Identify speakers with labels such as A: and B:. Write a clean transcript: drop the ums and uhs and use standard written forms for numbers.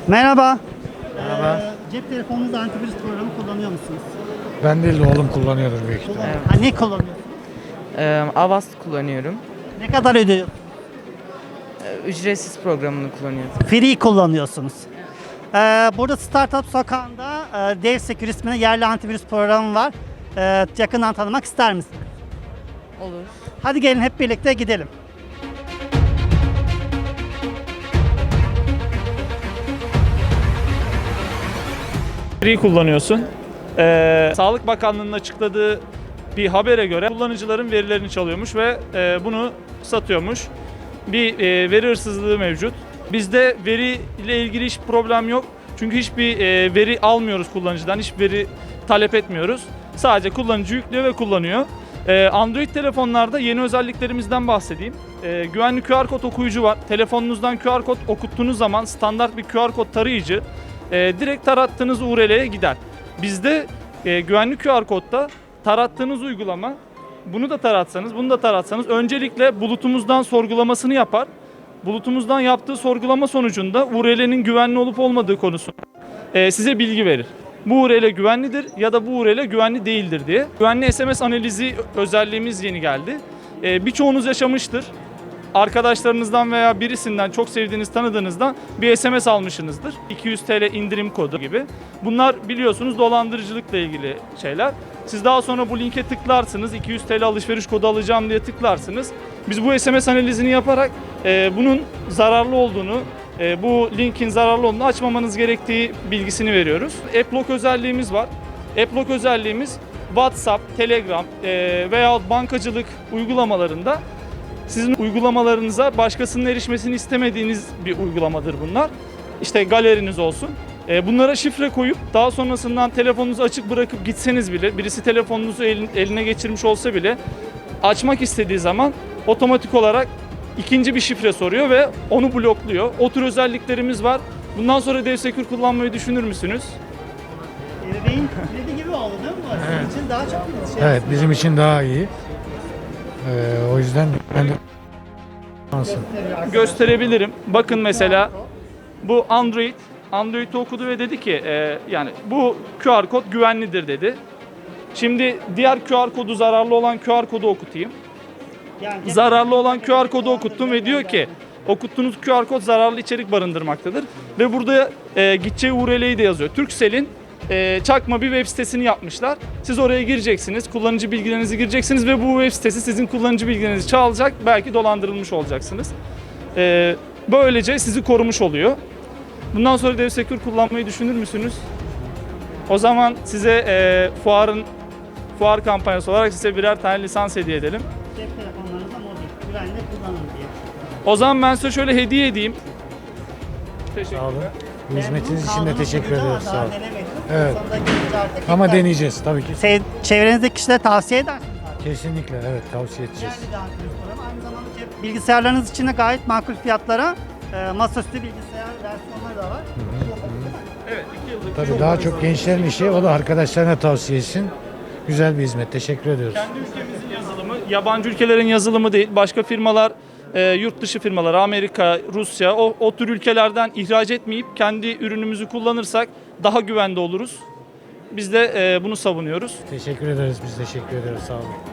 A: Merhaba.
B: Merhaba.
A: Cep telefonunuzda antivirüs programı kullanıyor musunuz?
B: Ben değil de oğlum kullanıyordur büyük ihtimalle.
A: Ha, ne kullanıyorsunuz?
C: Avast kullanıyorum.
A: Ne kadar ödüyorsunuz?
C: Ücretsiz programını kullanıyorum.
A: Free kullanıyorsunuz. Burada Startup Sokağı'nda DevSecure isminde yerli antivirüs programı var. Yakından tanımak ister misiniz?
C: Olur.
A: Hadi gelin hep birlikte gidelim.
D: Free kullanıyorsun. Sağlık Bakanlığı'nın açıkladığı bir habere göre kullanıcıların verilerini çalıyormuş ve bunu satıyormuş. Bir veri hırsızlığı mevcut. Bizde veri ile ilgili hiç problem yok. Çünkü hiçbir veri almıyoruz kullanıcıdan, hiçbir veri talep etmiyoruz. Sadece kullanıcı yüklüyor ve kullanıyor. Android telefonlarda yeni özelliklerimizden bahsedeyim. Güvenli QR kod okuyucu var. Telefonunuzdan QR kod okuttuğunuz zaman standart bir QR kod tarayıcı direkt tarattığınız URL'ye gider. Bizde güvenli QR kodda tarattığınız uygulama, bunu da taratsanız, bunu da taratsanız öncelikle bulutumuzdan sorgulamasını yapar. Bulutumuzdan yaptığı sorgulama sonucunda URL'nin güvenli olup olmadığı konusunda size bilgi verir. Bu URL güvenlidir ya da bu URL güvenli değildir diye. Güvenli SMS analizi özelliğimiz yeni geldi. Birçoğunuz yaşamıştır. Arkadaşlarınızdan veya birisinden, çok sevdiğiniz, tanıdığınızdan bir SMS almışsınızdır. 200 TL indirim kodu gibi. Bunlar biliyorsunuz dolandırıcılıkla ilgili şeyler. Siz daha sonra bu linke tıklarsınız, 200 TL alışveriş kodu alacağım diye tıklarsınız. Biz bu SMS analizini yaparak bunun zararlı olduğunu, bu linkin zararlı olduğunu açmamanız gerektiği bilgisini veriyoruz. AppLock özelliğimiz var. AppLock özelliğimiz WhatsApp, Telegram veya bankacılık uygulamalarında sizin uygulamalarınıza başkasının erişmesini istemediğiniz bir uygulamadır bunlar. İşte galeriniz olsun. Bunlara şifre koyup daha sonrasından telefonunuzu açık bırakıp gitseniz bile, birisi telefonunuzu eline geçirmiş olsa bile açmak istediği zaman otomatik olarak ikinci bir şifre soruyor ve onu blokluyor. O tür özelliklerimiz var. Bundan sonra DevSecure kullanmayı düşünür müsünüz?
A: Ebeveyn kredi gibi oldu değil mi?
B: Evet.
A: Sizin için daha çok
B: Evet, bizim için daha iyi. O yüzden ben de
D: Gösterebilirim. Bakın mesela bu Android'i okudu ve dedi ki yani bu QR kod güvenlidir dedi. Şimdi diğer QR kodu, zararlı olan QR kodu okutayım.
A: Yani
D: Zararlı olan QR kodu okuttum ve diyor ki okuttuğunuz QR kod zararlı içerik barındırmaktadır. Ve burada gideceği URL'yi de yazıyor. Turkcell'in çakma bir web sitesini yapmışlar. Siz oraya gireceksiniz, kullanıcı bilgilerinizi gireceksiniz ve bu web sitesi sizin kullanıcı bilgilerinizi çalacak, belki dolandırılmış olacaksınız. Böylece sizi korumuş oluyor. Bundan sonra DevSecure kullanmayı düşünür müsünüz? O zaman size fuar kampanyası olarak size birer tane lisans hediye edelim.
A: cep telefonlarınızda mobil, güvenli kullanın diye.
D: O zaman ben size şöyle hediye edeyim. Teşekkürler.
B: sağ olun. Bu hizmetiniz için de teşekkür ediyoruz. Sağ olun. Evet.
A: Evet.
B: Ama deneyeceğiz tabii ki.
A: Çevrenizdeki kişilere tavsiye eder misiniz?
B: Kesinlikle evet, tavsiye edeceğiz.
A: Değerli bir antivirüs programı. Aynı zamanda bilgisayarlarınız için de gayet makul fiyatlara masaüstü bilgisayar versiyonları da var.
D: Evet, 2 yıllık.
B: Tabii daha çok gençlerin işi, o da arkadaşlarına tavsiye etsin. Güzel bir hizmet. Teşekkür ediyoruz.
D: Kendi ülkemizin yazılımı, yabancı ülkelerin yazılımı değil. Başka firmalar, yurt dışı firmalar, Amerika, Rusya, o tür ülkelerden ihraç etmeyip kendi ürünümüzü kullanırsak daha güvende oluruz. Biz de bunu savunuyoruz.
B: Teşekkür ederiz. Biz teşekkür ederiz. Sağ olun.